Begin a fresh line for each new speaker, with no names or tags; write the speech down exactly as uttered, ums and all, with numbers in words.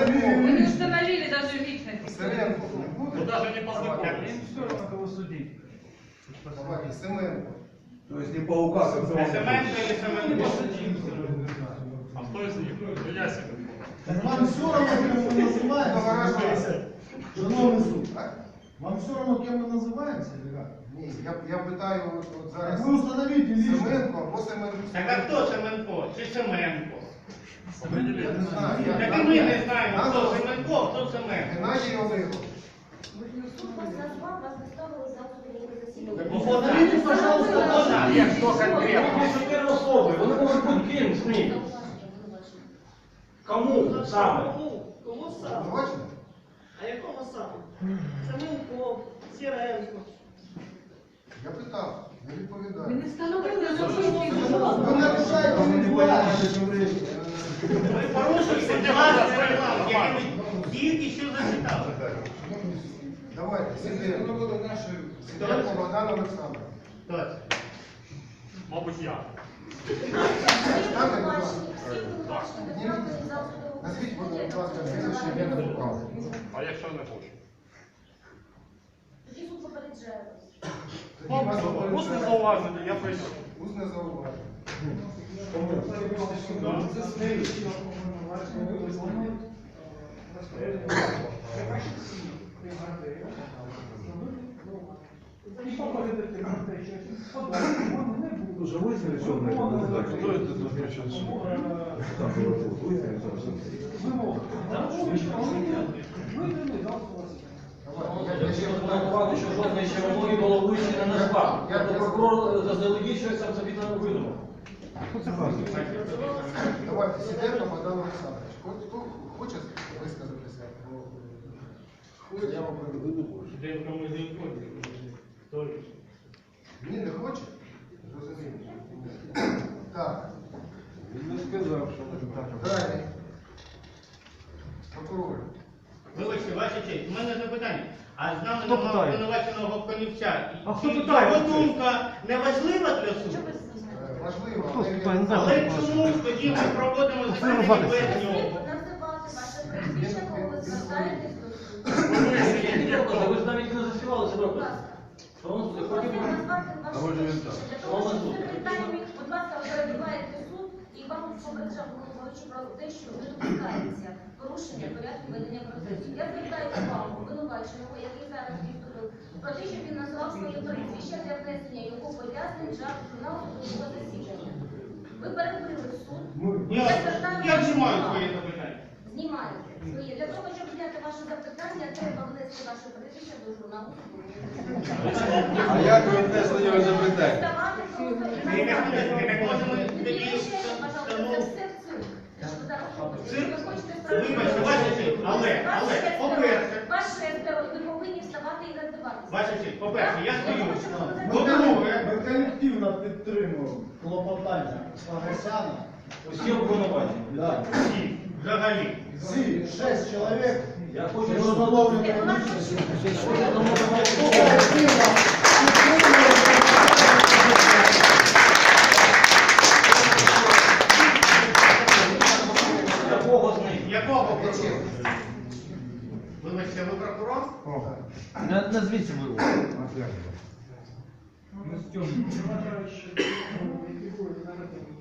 Вы не установили даже личность.
Сиренко не буде?
Ну даже не познакомились.
Им все равно кого судить.
Давайте, Семенко.
То есть не по указу.
Семенко или
Не
Семенко?
посудим.
А кто из них? Ну, я себе.
Так вам все равно, кем мы называемся? Шановний суд,
Так?
вам все равно, кем мы называемся, или как?
Ні, я, я питаю от, от зараз
Так вы установите лично.
Семенко або Семенко.
Так а хто Семенко? Чи Семенко?
Я не знаю. Я,
Так і ми не знаємо, хто Семенко, а хто Семенко.
Геннадій Олегович.
Суд вас назвав, вас доставили за судового засідання.
Установите, пожалуйста,
Можна? Є хто конкретно?
Первые особи, вони можуть бути ким з ним. Кому саме?
Кому? Кому саме?
Обвинувачений?
А якому саме? Семенко, Сіренко.
Я питав, не
Вы
відповідаю.
не встановили
вы
личность.
нарушаете индивидуальность.
Ви порушуєте власне регламент, який ми тільки що зачитали.
Давайте, Сиденко. Сиденко Богдан Олександрович.
Точно. Мабуть, я.
Ставте, будь ласка.
Всі обвинувачені доставлені за судового
Назвіть, будь
засідання.
ласка, прізвище, ім'я та право.
А якщо не хочу?
Тоді суд попереджає вас.
Усне зауваження, я прийшов.
Усне зауваження.
Уже выяснили, что он это? Кто это назначил суд? Там было тут, выяснили, что
Давайте, я- я ще питаю.
що жодної червоної голови ще не назвав. Тобто прокурор заздалегідь щось там собі не видумав.
Давайте, Сиденко Богдан Олександрович. Хто, хто хоче висказатися? Я вам приведу. Ні, не хоче? Розумію. Так,
Він не сказав, що не так.
далі. Прокурор.
Вибачте, ваша честь, у мене запитання. А з нами
Хто
немає
питає?
обвинуваченого Конівця.
А хто
Чи
питає?
Його думка не важлива для суду?
Е, Важливо,
Хто
але
питає? Не
він-
знаю.
Але чому ж тоді ми проводимо засідання без нього?
Називати ваше прізвище, коли ви звертаєтесь до суду.
Ви ж навіть не заспівали себе.
Будь ласка.
Шановний суд,
Можна
хотів би-
назвати ваше
може, він
прізвище.
так.
Для того, щоб секретарі, будь ласка, перебуваєте суд і вам попереджав головуючий про те, що не допускається порушення порядку ведення процесу. Я звертаю увагу обвинуваченого, який зараз відступив, про те, щоб він назвав своє прізвище для внесення його пояснень для журналу судового засідання. Ви перекрили суд.
Я,
звертаю
я
вашу
знімаю
увагу.
своє запитання.
Знімаєте своє. Для того, щоб зняти ваше запитання, треба внести ваше прізвище до журналу судового засідання.
А як ви внесли його запитання?
Ставати просто і
Ми не
назвати.
будемо, ми можемо
Не
тоді
мішайте, пожалуйста, це
встановити.
все в цирк. Те, що ви зараз робите.
Цирк?
Ви хочете
Вибачте, ваша честь, але,
Ваш
але,
шестеро,
по-перше,
ваш шестеро, ви повинні вставати і роздаватися.
ваша честь, по-перше, я стою.
Ми
По-друге,
ми колективно підтримуємо клопотання Погосяна.
Усі обвинувачені.
Да.
всі, взагалі.
Всі, шесть чоловік.
Я хочу,
Ми
щоб
встановлюємо
Це ваш
лічність.
якого з них?
Якого прокурора? Вибачте, ви прокурор?
Назвіть ви.
Ми з цим.